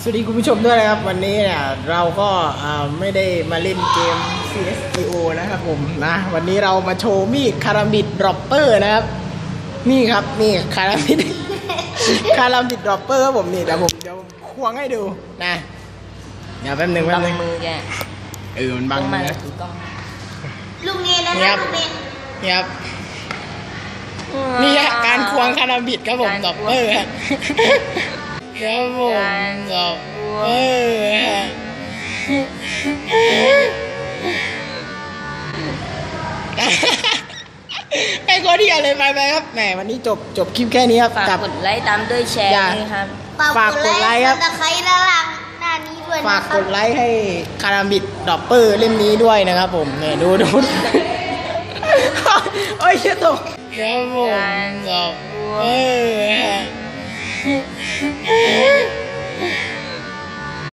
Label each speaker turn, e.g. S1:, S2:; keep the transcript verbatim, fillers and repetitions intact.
S1: วัสดีคุณผู้ชมด้วยนะครับวันนี้เนี่ยเราก็ไม่ได้มาเล่นเกม ซี เอส จี โอ นะครับผมนะวันนี้เรามาโชว์มีดคารามิดดรอปเปอร์นะครับนี่ครับนี่คารามิด คารามิดดรอปเปอร์ครับผมนี่เดี๋ยวผมเดี๋ยวควงให้ดูนะเดี๋ยวแป๊บหนึ่งแป๊บหนึ่ง
S2: มือแก
S1: เออมันบังมือนะ
S3: ลุงเนนนะครับลุงเนน
S1: นี่ครับนี่ฮะการควงคารามิดครับผมดรอปเปอร์ครับครับผมดรอปเปอร์ไปก็ที่อะไรไปไปครับแหมวันนี้จบจบคลิปแค่นี้ครับ
S2: ฝากกดไลค์ตามด้วยแชร์นะครับ
S1: ฝากกดไลค์ครับ
S3: ตะไคร้ด้านล่างหน้านี้ด้วย
S1: ฝากกดไลค์ให้คารามิดดรอปเปอร์เล่มนี้ด้วยนะครับผมเนี่ยดูดูโอ้ยเชี่ยตกครับผมดรอปเปอร์